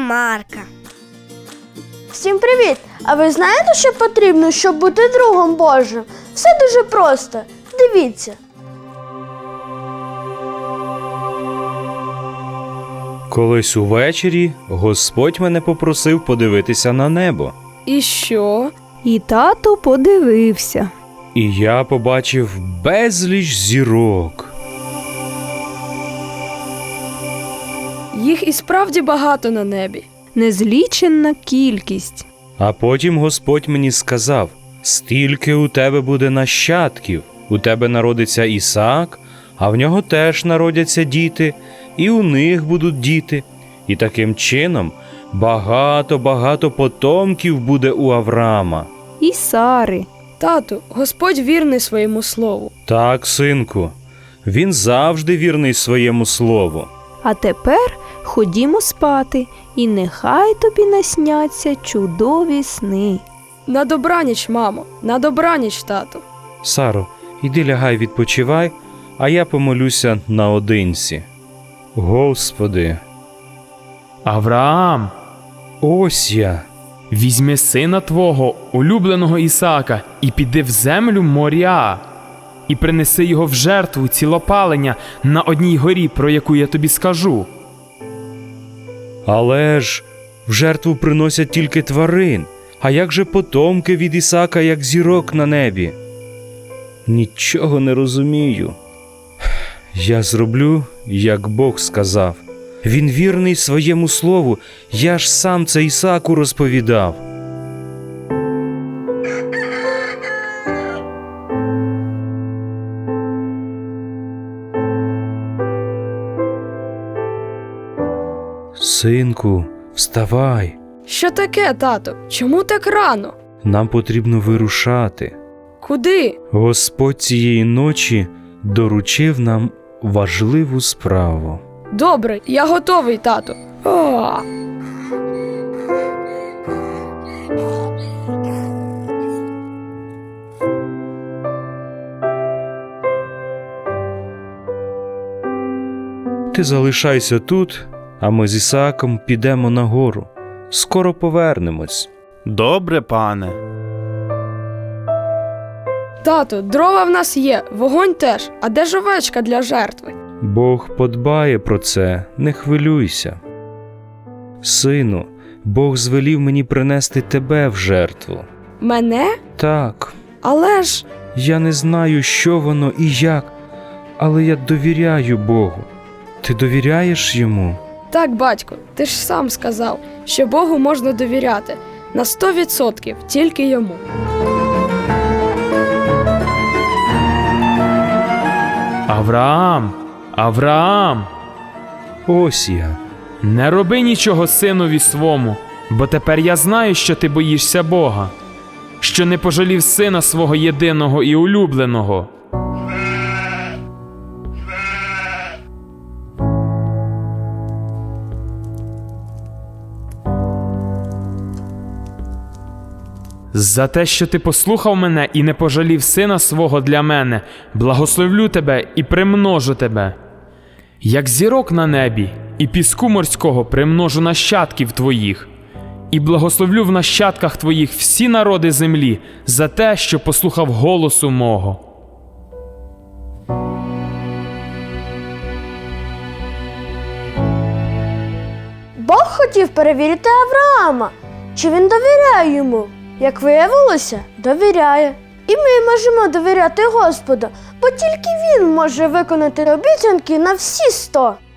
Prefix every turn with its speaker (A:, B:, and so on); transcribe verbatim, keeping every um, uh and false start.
A: Марка.
B: Всім привіт! А ви знаєте, що потрібно, щоб бути другом Божим? Все дуже просто. Дивіться.
C: Колись увечері Господь мене попросив подивитися на небо.
D: І що?
E: І тато подивився.
C: І я побачив безліч зірок.
D: Їх і справді багато на небі.
E: Незліченна кількість.
C: А потім Господь мені сказав: стільки у тебе буде нащадків, у тебе народиться Ісаак, а в нього теж народяться діти, і у них будуть діти. І таким чином багато-багато потомків буде у Авраама.
E: І Сари.
D: Тату, Господь вірний своєму слову.
C: Так, синку, він завжди вірний своєму слову.
E: А тепер ходімо спати, і нехай тобі насняться чудові сни.
D: На добраніч, мамо, на добраніч, тату.
C: Саро, іди лягай, відпочивай, а я помолюся наодинці. Господи,
F: Авраам,
C: ось я.
F: візьми сина твого, улюбленого Ісаака, і піди в землю Моріа, і принеси його в жертву цілопалення на одній горі, про яку я тобі скажу.
C: Але ж в жертву приносять тільки тварин, а як же потомки від Ісаака, як зірок на небі? Нічого не розумію. Я зроблю, як Бог сказав. Він вірний своєму слову, я ж сам це Ісааку розповідав. Синку, вставай.
D: Що таке, тату? Чому так рано?
C: Нам потрібно вирушати.
D: Куди?
C: Господь цієї ночі доручив нам важливу справу.
D: Добре, я готовий, тату. О!
C: Ти залишайся тут, а ми з Ісааком підемо на гору. Скоро повернемось.
G: Добре, пане.
D: Тату, дрова в нас є, вогонь теж, а де ж овечка для жертви?
C: Бог подбає про це, не хвилюйся. Сину, Бог звелів мені принести тебе в жертву.
D: Мене?
C: Так,
D: Але ж...
C: я не знаю, що воно і як, але я довіряю Богу. Ти довіряєш йому?
D: Так, батько, ти ж сам сказав, що Богу можна довіряти. На сто відсотків тільки йому.
F: Авраам, Авраам,
C: Ось я.
F: не роби нічого синові свому, бо тепер я знаю, що ти боїшся Бога, що не пожалів сина свого єдиного і улюбленого. За те, що ти послухав мене і не пожалів сина свого для мене, благословлю тебе і примножу тебе. Як зірок на небі, і піску морського примножу нащадків твоїх, і благословлю в нащадках твоїх всі народи землі за те, що послухав голосу мого.
B: Бог хотів перевірити Авраама, чи він довіряє йому. Як виявилося, довіряє. І ми можемо довіряти Господу, бо тільки Він може виконати обіцянки на всі сто.